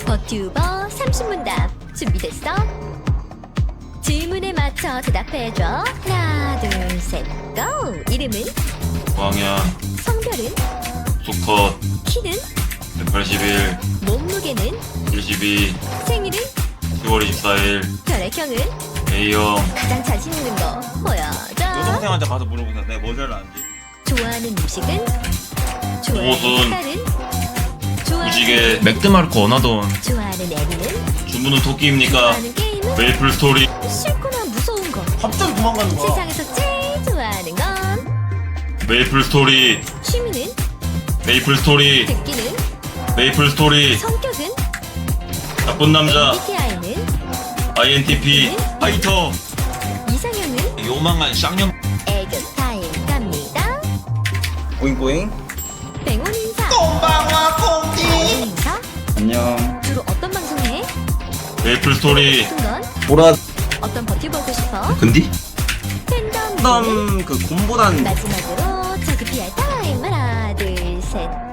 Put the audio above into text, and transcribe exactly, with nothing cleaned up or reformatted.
버튜버 삼십 문답 준비됐어? 질문에 맞춰 대답해줘. 하나 둘 셋 고! 이름은? 광야, 성별은? 수컷, 키는? 백팔십일, 몸무게는? 일십이, 생일은? 시월 이십사일, 혈액형은? A형. 가장 자신 있는 거 보여줘. 여동생한테 가서 물어보세요. 내가 뭐 잘나는지. 좋아하는 음식은? 좋아하는 옷은? 색깔은? 좋아하는 무지개, 맥드마르크 어나돈. 좋아하는 애니는? 주문은 토끼입니까? 좋아하는 게임은? 메이플 스토리. 싫거나 무서운 거. 갑자기 도망가는 세상에서 제일 좋아하는 건? 메이플 스토리, 취미는? 메이플 스토리, 듣기는? 메이플 스토리. 성격은? 나쁜 남자, 엠비티아이는? 아이엔티피, 파이터. 이상형은? 요망한 쌍년. 애교 타임 갑니다. 보잉보잉. 백원 인사. 꼼방와 콩디. 백원 인사. 안녕. 주로 어떤 방송 해? 메이플 스토리. 싶은 건? 보라. 어떤 버텨보고 싶어? 근디? 팬덤. 넌 그 곰보단 마지막으로 저기 피할 타임 하나 둘 셋